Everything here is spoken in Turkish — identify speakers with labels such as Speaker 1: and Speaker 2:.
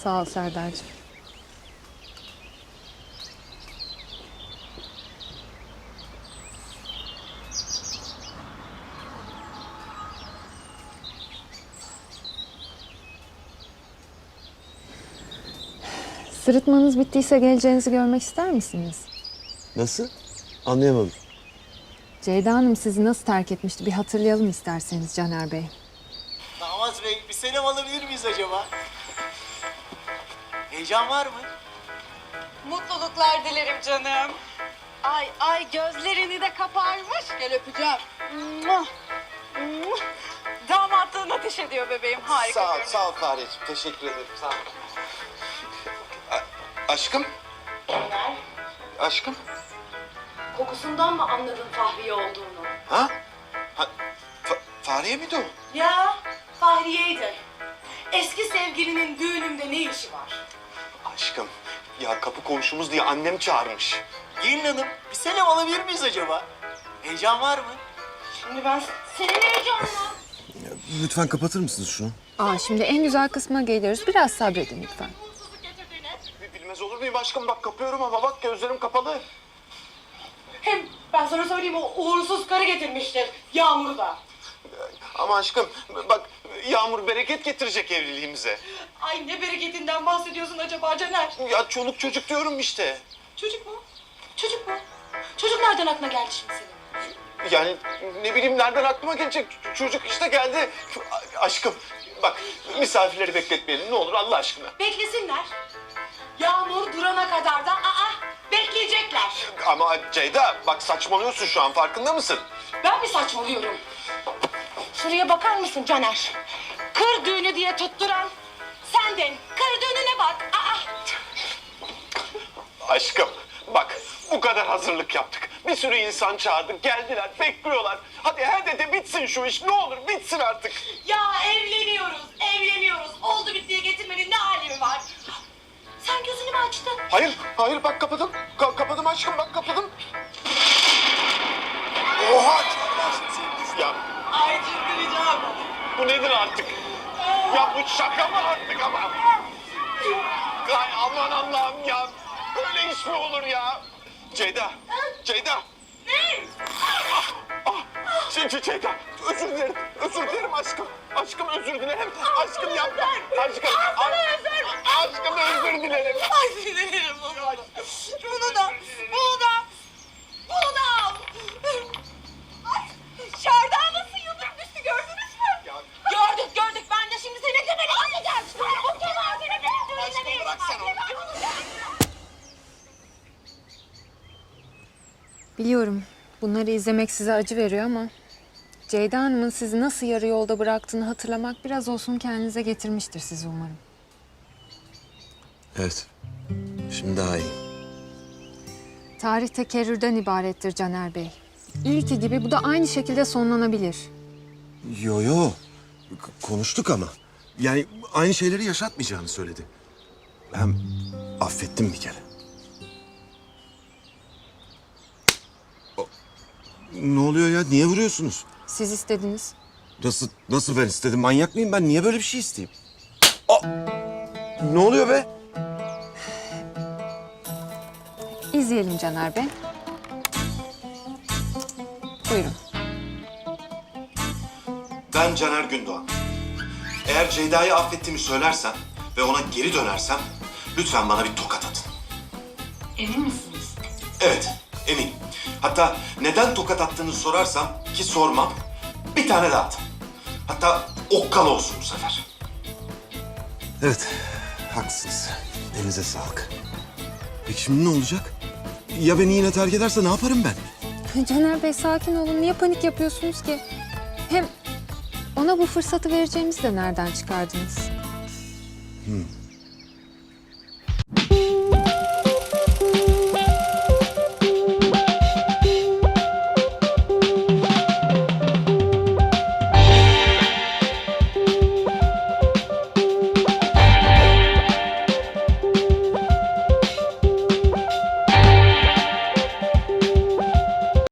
Speaker 1: Sağ ol Serdar'cığım. Sırıtmanız bittiyse geleceğinizi görmek ister misiniz?
Speaker 2: Nasıl? Anlayamadım.
Speaker 1: Ceyda Hanım sizi nasıl terk etmişti bir hatırlayalım isterseniz Caner Bey.
Speaker 3: Damat Bey, bir selam alabilir miyiz acaba? Heyecan var mı?
Speaker 4: Mutluluklar dilerim canım. Ay gözlerini de kaparmış. Gel öpeceğim. Muah, muah. Damatlığın ateş ediyor bebeğim. Harika görünüyor.
Speaker 2: Sağ ol Fareciğim. Teşekkür ederim. Sağ ol. Aşkım?
Speaker 4: Caner,
Speaker 2: Aşkım?
Speaker 4: kokusundan mı anladın Fahriye olduğunu?
Speaker 2: Ha? Fahriye miydi o?
Speaker 4: Ya Fahriye'ydi. Eski sevgilinin düğünümde ne işi var?
Speaker 2: Aşkım, ya kapı komşumuz diye annem çağırmış.
Speaker 3: Gelin hanım, bir selam alabilir miyiz acaba? Heyecan var mı?
Speaker 4: Şimdi ben senin heyecanla.
Speaker 2: Lütfen kapatır mısınız şunu?
Speaker 1: Şimdi en güzel kısma geliyoruz. Biraz sabredin lütfen.
Speaker 2: Bilmez olur muyum aşkım? Bak kapıyorum ama bak gözlerim kapalı.
Speaker 4: Hem ben sana söyleyeyim o uğursuz karı getirmiştir. Yağmur'u da.
Speaker 2: Ama aşkım bak yağmur bereket getirecek evliliğimize.
Speaker 4: Ay ne bereketinden bahsediyorsun acaba Caner?
Speaker 2: Ya çoluk çocuk diyorum işte.
Speaker 4: Çocuk mu? Çocuk mu? Çocuk nereden aklına geldi şimdi senin?
Speaker 2: Yani ne bileyim nereden aklıma gelecek çocuk işte geldi. Aşkım bak misafirleri bekletmeyelim ne olur Allah aşkına.
Speaker 4: Beklesinler. Yağmur durana kadar da bekleyecekler.
Speaker 2: Ama Ceyda bak saçmalıyorsun şu an farkında mısın?
Speaker 4: Ben mi saçmalıyorum? Şuraya bakar mısın Caner? Kır düğünü diye tutturan sendin. Kır düğününe bak.
Speaker 2: Aşkım bak bu kadar hazırlık yaptık. Bir sürü insan çağırdık geldiler bekliyorlar. Hadi de bitsin şu iş ne olur bitsin artık.
Speaker 4: Ya evleniyoruz, evleniyoruz. Oldu bittiye getirmenin ne alemi var? Sen gözünü mü açtın?
Speaker 2: Hayır bak kapadım. Kapadım aşkım bak kapadım. Oha! Ya
Speaker 4: Ay çıldıracağım.
Speaker 2: bu nedir artık? Ya bu şaka mı artık ama? Ay aman Allah'ım ya. Böyle iş mi olur ya? Ceyda.
Speaker 4: Ne?
Speaker 2: Ceyda. Özür dilerim aşkım. Aşkım özür dilerim. Aşkım yapma. Aşkım. Aşkım özür dilerim.
Speaker 4: Ay sinirlerim bozuldu. Bunu da al. Ay şardağı nasıl yıldırım düştü gördünüz mü? Gördük. Ben de şimdi senin tepeni atacağım. Bu kemer senin benim düğününe
Speaker 2: bırak sen onu.
Speaker 1: Biliyorum bunları izlemek size acı veriyor ama Ceyda Hanım'ın sizi nasıl yarı yolda bıraktığını hatırlamak biraz olsun kendinize getirmiştir sizi umarım.
Speaker 2: Evet. Şimdi daha iyi.
Speaker 1: Tarih tekerrürden ibarettir Caner Bey. İlki gibi bu da aynı şekilde sonlanabilir.
Speaker 2: Yo. Konuştuk ama. Yani aynı şeyleri yaşatmayacağını söyledi. Hem affettim bir kere. Ne oluyor ya? Niye vuruyorsunuz?
Speaker 1: Siz istediniz.
Speaker 2: Nasıl ben istedim? Manyak mıyım ben? Niye böyle bir şey isteyeyim? Ne oluyor be?
Speaker 1: İzleyelim Caner Bey. Buyurun.
Speaker 2: Ben Caner Gündoğan. Eğer Ceyda'yı affettiğimi söylersen ve ona geri dönersem lütfen bana bir tokat atın.
Speaker 4: Emin misiniz?
Speaker 2: Evet, eminim. Hatta neden tokat attığını sorarsam ki sormam, bir tane daha atın. Hatta okkal olsun bu sefer. Evet, haklısınız. Elinize sağlık. Peki şimdi ne olacak? Ya beni yine terk ederse ne yaparım ben?
Speaker 1: Caner Bey sakin olun. Niye panik yapıyorsunuz ki? Hem ona bu fırsatı vereceğimizi de nereden çıkardınız?